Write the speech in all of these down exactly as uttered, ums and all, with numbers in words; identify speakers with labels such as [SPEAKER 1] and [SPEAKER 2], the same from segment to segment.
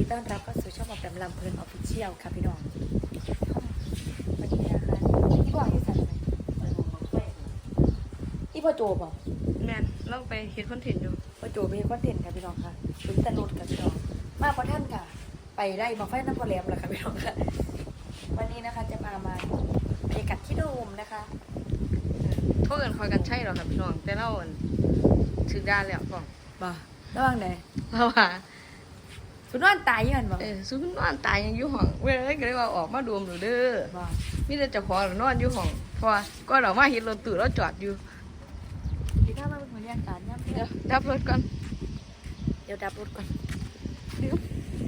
[SPEAKER 1] ต้อนรับเข้าสู่ช่องแบบลำเพลินออฟฟิเชียลค่ะพี่น้องวันนี้นะคะพี่บอกอยู่สั่นพี่พ่อโจบอก
[SPEAKER 2] แม่นเราไปเฮ็ดคอนเทนต์อยู่
[SPEAKER 1] พ่อโจไปเฮ็ดคอนเทนต์ค่ะพี่น้องค่ะเป็นตลกค่ะพี่น้องมาพอท่านค่ะไปได้มาไฟน้ำพอแหลมแล้วค่ะพี่น้องค่ะวันนี้นะคะจะมามาบรรยากาศที่โดมนะคะ
[SPEAKER 2] โทษกันคอยกันใช่หรอครับพี่น้องแต่เราถึงด้านแล้วบอก
[SPEAKER 1] บ่ระวังไหน
[SPEAKER 2] เราว่า
[SPEAKER 1] สุนวนตายยังบ่
[SPEAKER 2] เออสุนวนตายยังอยู่ห้องเว้ยก็เลยว่าออกมาดมหนูเด้อบ่มีแต่เจ้าของนอนอยู่ห้องเพราะก็เรามาเห็นรถตู้เราจอดอยู่
[SPEAKER 1] พี่ถ้ามาเป็นบรรยากาศเนี่ย
[SPEAKER 2] เดี๋ยวดับรถก่อน
[SPEAKER 1] เดี๋ยวดับรถก่อน
[SPEAKER 2] เดี๋ยว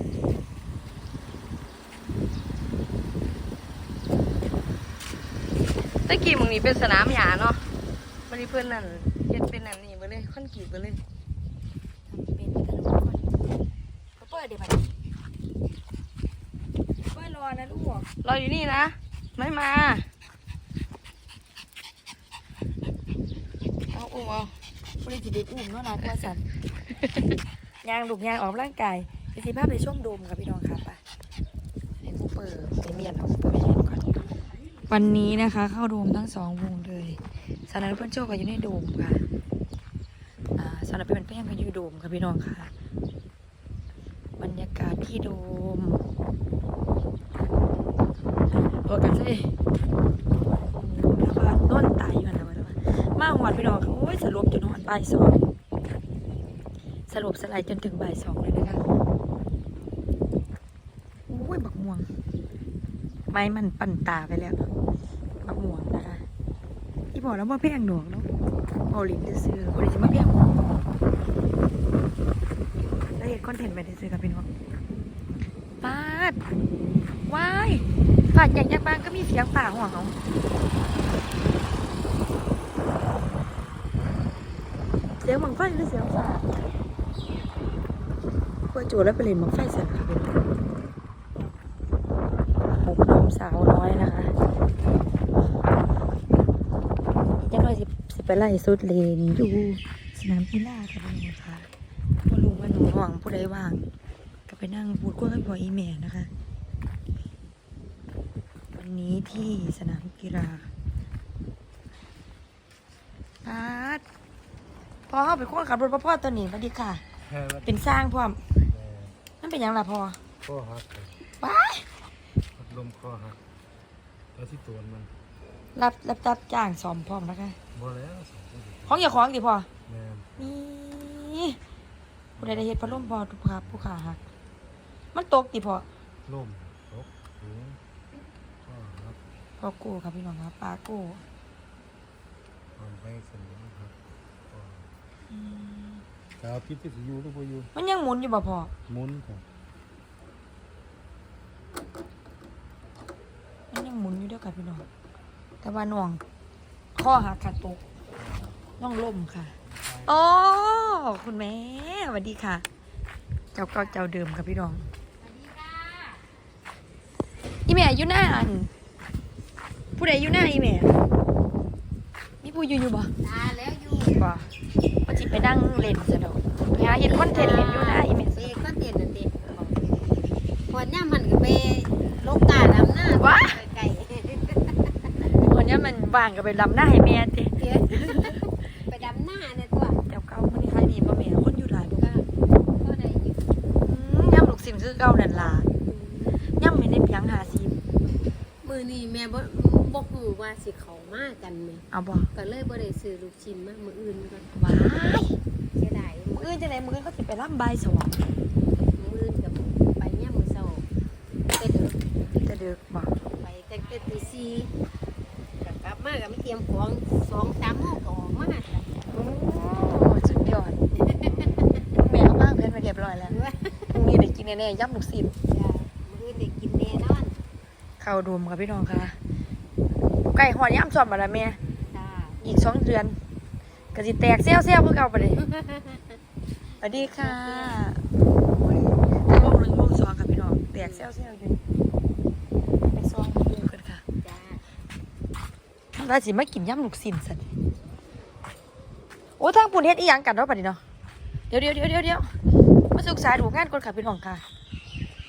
[SPEAKER 2] ตะกี้มึงนี่เป็นสนามหญ้าเนาะวันนี้เพื่อนนั่นเฮ็ดเป็นนั่นนี่ไปเลยคอนกรีตไปเลย
[SPEAKER 1] เป็นกันทุกคนเขาเปิดเดี๋ยวไปเปิดรอนะลูก
[SPEAKER 2] รออยู่นี่นะไม่มาเอาอุ้มเอา
[SPEAKER 1] บริจิตอุ้มเนาะนะตัวสันยางลูกยางออกร่างกายไปสิภาพไปช่วงโดมกับพี่น้องค่ะไปให้กูเปิดไปเมียนเอาไปเมียนก่อนวันนี้นะคะเข้าโดมทั้งสองวงเลยสารนันเพื่อนโจ้ก็อยู่ในโดมค่ะอ่าสารนันเป็นเพื่อนก็อยู่โดมค่ะพี่น้องค่ะบรรยากาศที่โดมโอ้กันสิแล้วว่าต้นตายอยู่นะว่ามาหอดพี่น้องโอ้ยสรุปจนหอดบ่ายสองสรุปสลายจนถึงบ่ายสองเลยนะคะโอ้ยบักม่วงไม้มันปั่นตาไปแล้วบักม่วงนะคะที่บอกแล้วว่าเพียงหนวกเนาะโอลินจะซื้อโอลินจะมาเพียงแล้วเห็นคอนเทนต์ไปได้ซื้อกับพี่น้องปาดว้ายปาดอย่างยังบางก็มีเสียงป่าห่วงเขาเสียงบังไฟหรือเสียงป่าพวกโจแล้วไปเล่นบังไฟเสร็จค่ะเป็นหกนมสาวน้อยนะคะยังน้อยสิสิไปไล่สุดเลนอยู่สนามกีฬาค่ะพี่น้องค่ะว่าลุงว่าหนูห่วงผู้ใดว่างก็ไปนั่งพูดคุยกับพ่ออีแม่นะคะวันนี้ที่สนามกีฬาพาดพอเข้าไปควงขับรถพ่อตัวนี้สวัสดีค่ะเป็นสร้างพร้อมนั่นเป็นยังล่ะพ่อ
[SPEAKER 3] ข้อหัก
[SPEAKER 1] ว้าย
[SPEAKER 3] ลมข้อหักแล้วที่ตัวมัน
[SPEAKER 1] รับรับจับจ้างสอมพร้อมนะคะ
[SPEAKER 3] บ่แล้ว
[SPEAKER 1] ของอย่าของดิพ่อ
[SPEAKER 3] นี่
[SPEAKER 1] ผู้ใดได้เห็นพัดลมพอทุกภาพผู้ขาหักมันตกดิพ่อ
[SPEAKER 3] ลมตกถึงข้อหัก
[SPEAKER 1] พ่อโก้ครับพี่น้องครับปลาโก้
[SPEAKER 3] ความไปสนิมครับดาวพิษที่สิอยู่หรือบ่อยู่
[SPEAKER 1] มันยังหมุนอยู่บ่พ่อ
[SPEAKER 3] หมุนครับ
[SPEAKER 1] มันยังหมุนอยู่เด้อค่ะพี่น้องแต่ว่าน่วงข้อหักขาดตกน่องล่มค่ะโอ้คุณแม่สวัสดีค่ะเจ้าเก่าเจ้าเดิมค่ะพี่น้องสวัสดีค่ะอีแม่อยู่หน้าอันผู้ใดอยู่หน้าอีแม่มีผู้อยู่อยู่บ่
[SPEAKER 4] ตาแล้วอยู่
[SPEAKER 1] บ่ว่าจิไปนั่งเล่นซะดอกไปหาเห็นคอนเทนต์เล่นอยู่หน้าอีแม่
[SPEAKER 4] เด็กก็เตียนนั่นเด็กพอเนี่ยมันก็ไปลกกาดำหน้า
[SPEAKER 1] ว้า
[SPEAKER 4] ไก่
[SPEAKER 1] วันนี้มันว่างก็ไปลำหน้าให้แม่ติ
[SPEAKER 4] ไปดำหน้าเนี่ยตัว
[SPEAKER 1] เจ้าเก่ามันนี่ใครดีบ่แม่คนอยู่หลายบ่ก็
[SPEAKER 4] ก็ได้อยู่
[SPEAKER 1] ย่ำลูกสิมคือเก่านั่นล่ะย่ำไม่ได้เพียงหาซี
[SPEAKER 4] มือนี่แม่บ่บ่ฮู้ว่าสิเขามากันแม่
[SPEAKER 1] เอาบ่
[SPEAKER 4] ก็เลยบ่ได้ซื้อลูกชิ้นมามื้ออื่นก่อน
[SPEAKER 1] ว้าย
[SPEAKER 4] เสียดาย
[SPEAKER 1] มื้ออื่นจังได๋มื้ออื่นเขาสิไปลำบ่ายสอง
[SPEAKER 4] มื้ออื่นก็ไปยามมื้อเช้าแต่ดึก
[SPEAKER 1] แต่ดึกบ่
[SPEAKER 4] ไปตั้งแต่ตีสี่ก็กลับมาก็ไม่เตรียมของ สองสามโมงก็ออกมา
[SPEAKER 1] โอ้สุดยอดแม่วางแผนไว้เรียบร้อยแล้วพรุ่งนี้ได้กินแน่ๆย่ำลูกชิ้น
[SPEAKER 4] จ้ะมื้ออื่นได้กินแน่นอน
[SPEAKER 1] เข้าโดมค่ะพี่น้องค่ะไก่หอดย่ำซ้อมมาแล้วแม่อีกสองเดือนก็สิแตกเซี่ยวๆเพื่อเก่าไปเลยสวัสดีค่ะวงหนึ่งวงสองค่ะพี่น้องแตกเซี่ยวๆอยู่ไปซ้อมดูกันค่ะว่าสิมากินย่ำลูกชิ้นสันโอ้ทางปุ่นเฮ็ดอีหยังกันเนาะปะนี่เนาะเดี๋ยวเดี๋ยวเดี๋ยวเดี๋ยวมาศึกษาดูงานก่อนค่ะพี่น้องค่ะ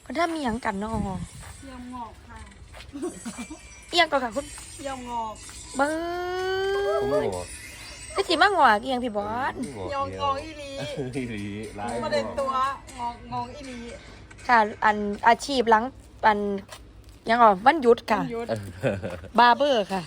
[SPEAKER 1] คนถ้ามีหยังกันเนาะ
[SPEAKER 5] ยำงอกค่ะ
[SPEAKER 1] เอียงก่อนค่ะคุณ
[SPEAKER 5] ยำงอก
[SPEAKER 1] เบิ้
[SPEAKER 3] ผม
[SPEAKER 1] ง
[SPEAKER 3] บอก
[SPEAKER 1] พี่สิมางอกเอียงพี่บอส
[SPEAKER 5] ยองงอกอีหลี
[SPEAKER 3] อีหลีหลาย
[SPEAKER 5] ประเด็นตัวงอกงอกอีหลี
[SPEAKER 1] ค่ะอันอาชีพหลังอันยังอ่ะวันหยุดค่ะ
[SPEAKER 5] ยุด
[SPEAKER 1] บาร์เบอร์ค่ะ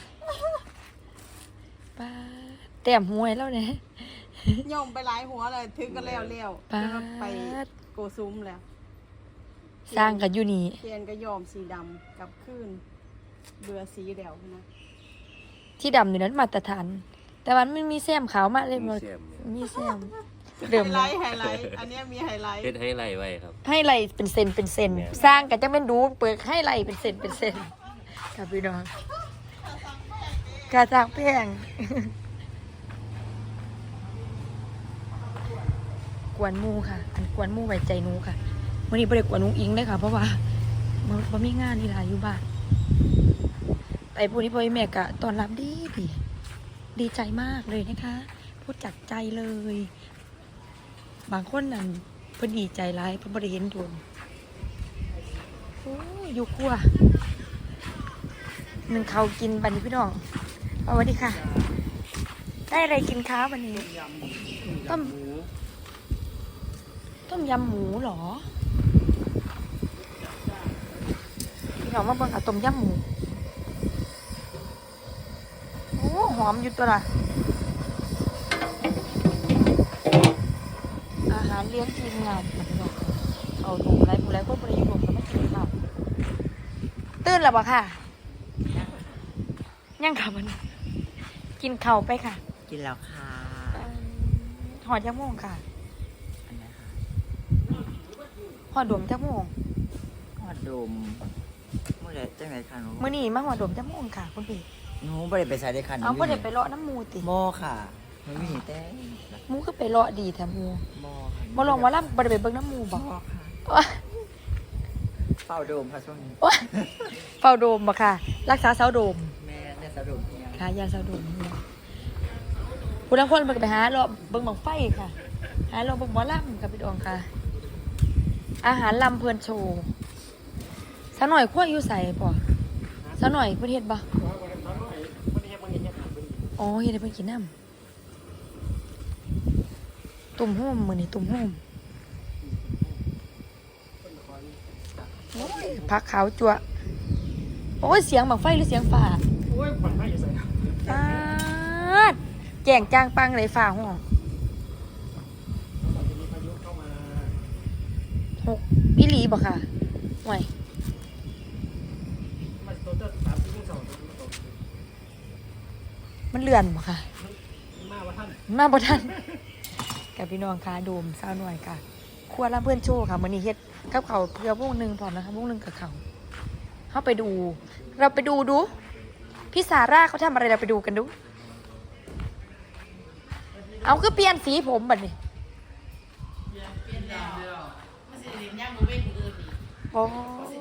[SPEAKER 1] ป้าแต้มหวยแล้วเนี่ย
[SPEAKER 5] ย่อมไปหลายหัวเลยถึงก็แล้วแล้ว
[SPEAKER 1] ป้า
[SPEAKER 5] แล้วก็ไปโกซุ้มแล้ว
[SPEAKER 1] สร้างกันอยู่นี่
[SPEAKER 5] เทียนก็ยอมสีดำกับขึ้นเบื่อสีแล้วนะ
[SPEAKER 1] ที่ดำอยู่นั้นมาตรฐาน แต่วันมันมีแซมขาวมาเลยหมดมีแซมเดิม
[SPEAKER 5] ไฮไล
[SPEAKER 1] เลย
[SPEAKER 5] ท์ไฮไลท์อันเนี้ยมีไฮไลท์
[SPEAKER 3] เฮ็ดให้ไรไว้ครับ
[SPEAKER 1] ให้ไหลเป็นเซนเป็นเซนสร้างกันจะเป็นดูเปิดให้ไหลเป็นเซนเป็นเซนกับพี่น้องกาจากแพง กวนหมูค่ะ อันกวนหมูไว้ใจหนูค่ะวันนี้บ่ได้กวนนุ้งอิงเลยค่ะ เพราะว่ามันบ่มีงานนี่ล่ะอยู่บ้านไปพวกนี้พ่อแม่กะตอนรับดีดีดีใจมากเลยนะคะ พูดจากใจเลย บางคนนั่นเพิ่นดีใจร้ายเพิ่นบ่ได้เห็นโดนโอ้ยอยู่ครัวหนึ่งเขาวกินบัดนี้พี่น้องเอาสวัสดีค่ะ ได้อะไรกินคะวันนี้ต้มต้มยำหมูเหรอพี่น้องมาเบิ่งค่ะต้มยำหมูโอ้หอมอยู่ตัวละอาหารเลี้ยงทีมงานค่ะพี่น้องเอาหนูไรผู้ไรคนบริยุทธ์ก็มากินข้าวตื่นแล้วบ่ค่ะยังค่ะมันกินข้าวไปค่ะ
[SPEAKER 6] กินแล้วค่ะ
[SPEAKER 1] เอิ่มหอดยักโมงค่ะ
[SPEAKER 6] อันนี้ค่ะ
[SPEAKER 1] หอดดมจักโมง
[SPEAKER 6] หอดดมเมื่อไรจังไรค่ะหนู
[SPEAKER 1] มื้อนี้มาหอดดมจักโมงค่ะคุณพี่
[SPEAKER 6] หนูไม่ได้ไปใส่ได้ค่ะหนู
[SPEAKER 1] เอาบ่ได้ไปเลาะน้ำหมูติ
[SPEAKER 6] โมค่ะหนูมีแต่
[SPEAKER 1] หมูก็ไปเลาะดีแท้หมู
[SPEAKER 6] โมค่ะ
[SPEAKER 1] บ่ลองว่าล่ำบ่ได้ไปเบิ่งน้ำหมูบ่
[SPEAKER 6] โมค่ะ
[SPEAKER 1] โอ๊ย
[SPEAKER 6] เฝ้าโดมค่ะช่วงนี้
[SPEAKER 1] โอ๊ยเฝ้าโดมบ่ค่ะ รักษาเสาโดม
[SPEAKER 6] แม่เนี่ยสะดมเนี่ย
[SPEAKER 1] ค่ะยาเสาโดมเนี่ยผู้ลางคนมันก็ไปหาเลาะเบิ่งบังไฟค่ะ หาเลาะเบิ่งหมอลำกับพี่ดองค่ะ อาหารลำเพลินโชว์สะหน่อยขั้วอยู่ใส่ป่ะสะหน่อยเพิ่นเฮ็ดบ่อ๋อเฮ็ดให้เพิ่นกินน้ำตุ่มโฮมมื้อนี้ตุ่มโฮมโอ้ยผักขาวจั่วโอ้ยเสียงบังไฟหรือเสียงฟ้า
[SPEAKER 3] โอ้ยขวัญไม่ใส่
[SPEAKER 1] ฟาดแจ้งจ้างปังเลยฝ่าห้องหกอีหลีบ่ค่ะห่วยมันเลื่อนบ่ค่ะ มาบ่ทันมาบ่ทันกับพี่น้องค่ะโดมสาวหน่อยค่ะครัวรับเพื่อนโชว์ค่ะมื้อนี้เฮ็ดกับข้าวเพื่อวงหนึงพร้อมนะคะวงหนึงกับข้าวเฮาไปดู เราไปดูดูพี่ซาร่าเขาทำอะไรเราไปดูกันดู เอาคือเปลี่ยนสีผมบัดนี้โอ้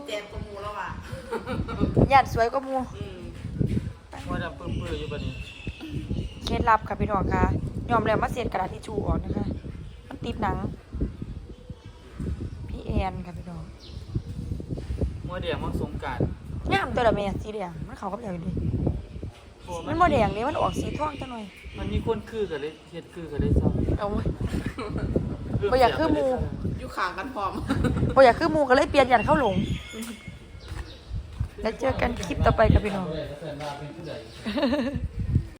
[SPEAKER 1] ยาดสวยกว่าหมู
[SPEAKER 3] ว่าจะเปื้อนๆอยู่บัดนี้
[SPEAKER 1] เคล็ดลับค่ะพี่น้องค่ะยอมแล้วมาเสียดกระดาษทิชชู่ออกนะคะ มันติดหนัง พี่แอนค่ะพี่น้อง
[SPEAKER 3] เมื่อเดียวมันสงกรานต์
[SPEAKER 1] งามตัวละแม่สีแดงมันเขากับอย่างนี้มันโมแดงนี่มันออกสีทองจังหน่อย
[SPEAKER 3] มันมีคนคือกันเลยเฮ็ดคือกันเลยซ้
[SPEAKER 1] เอาไว้
[SPEAKER 3] ำ
[SPEAKER 1] บ่อยากคือหมู
[SPEAKER 5] อยู่ข้างกันพร้อม
[SPEAKER 1] บ่อยากคือหมูก็เลยเปลี่ยนยันเข้าหลง แล้วเจอกันคลิปต่อไปกับพี่น้อง